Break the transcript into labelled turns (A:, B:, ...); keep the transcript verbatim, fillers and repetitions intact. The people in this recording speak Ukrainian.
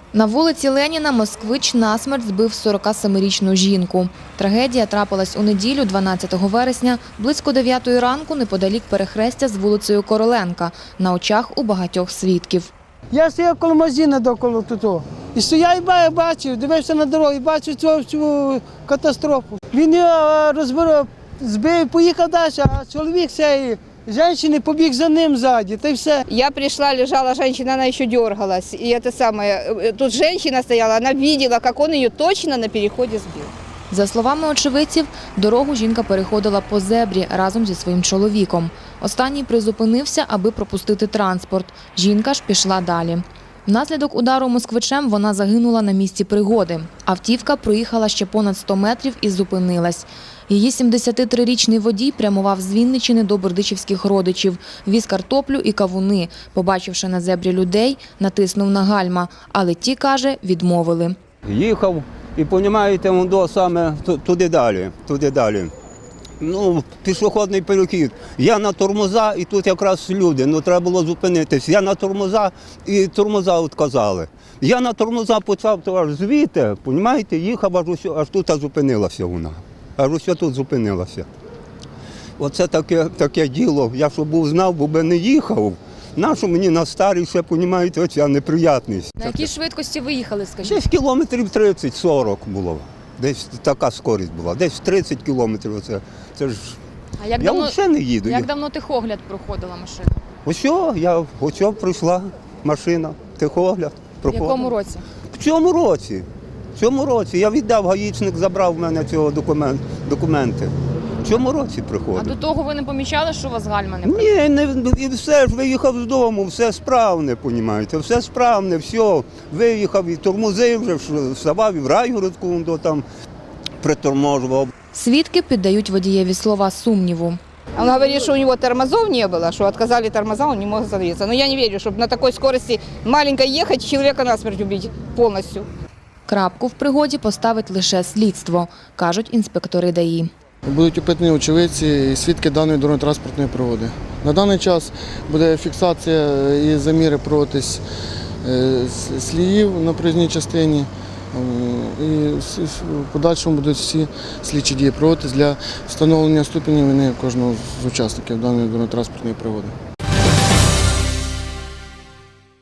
A: На вулиці Леніна москвич насмерть збив сорокасемирічну жінку. Трагедія трапилась у неділю, дванадцятого вересня, близько дев'ятої ранку неподалік перехрестя з вулицею Короленка, на очах у багатьох свідків.
B: Я стояв коло магазину довкола тут. І стояв і бачив, дивився на дорогу і бачив цю, цю катастрофу. Він його розбив, збив, поїхав далі, а чоловік цієї жінки побіг за ним ззаді, та й все.
C: Я пришла, лежала женщина, она еще дергалась. И это самое, тут женщина стояла, она видела, как он ее точно на переходе сбил.
A: За словами очевидців, дорогу жінка переходила по зебрі разом зі своїм чоловіком. Останній призупинився, аби пропустити транспорт. Жінка ж пішла далі. Внаслідок удару москвичем вона загинула на місці пригоди. Автівка проїхала ще понад сто метрів і зупинилась. Її сімдесятитрирічний водій прямував з Вінниччини до бердичівських родичів, віз картоплю і кавуни. Побачивши на зебрі людей, натиснув на гальма, але ті, каже, відмовили.
D: Їхав і, розумієте, воно саме туди далі, туди далі. Ну, пішохідний перехід. Я на тормоза, і тут якраз люди, ну треба було зупинитись. Я на тормоза, і тормоза відказали. Я на тормоза почав аж звідти, розумієте, їхав, аж, ось, аж тут зупинилася вона. Аж ось тут зупинилася. Оце таке, таке діло. Я що був знав, бо би не їхав. Нащо мені на старій ще, розумієте, оця неприятність.
A: На якій швидкості ви їхали, скажіть?
D: Десь кілометрів тридцять-сорок було. Десь така скорість була, десь тридцять кілометрів. Оце, це ж...
A: А як
D: я
A: давно,
D: взагалі не їду.
A: як давно техогляд проходила машина?
D: Ось, я, ось прийшла машина, техогляд.
A: В якому році?
D: В цьому році. В цьому році. Я віддав, гаїчник забрав в мене цього документ, документи. В цьому році приходив.
A: А до того ви не помічали, що у вас гальма не працює?
D: Ні, не, і все ж виїхав з дому, все справне, розумієте, все справне, все. Виїхав і тормозив, вже вставав і в райгородку там приторможував.
A: Свідки піддають водієві слова сумніву.
C: Он говорит, что у него тормозов не было, что отказали тормоза, он не мог остановиться. Но я не верю, чтобы на такой скорости маленькой ехать, человека насмерть убить повністю.
A: Крапку в пригоді поставить лише слідство, кажуть інспектори ДАІ.
E: Будуть опитані очевидці і свідки даної дорожньо-транспортної пригоди. На даний час буде фіксація і заміри проводитись сліїв на проїзній частині. І в подальшому будуть всі слідчі дії проводитись для встановлення ступені вини кожного з учасників даної дорожньо-транспортної пригоди.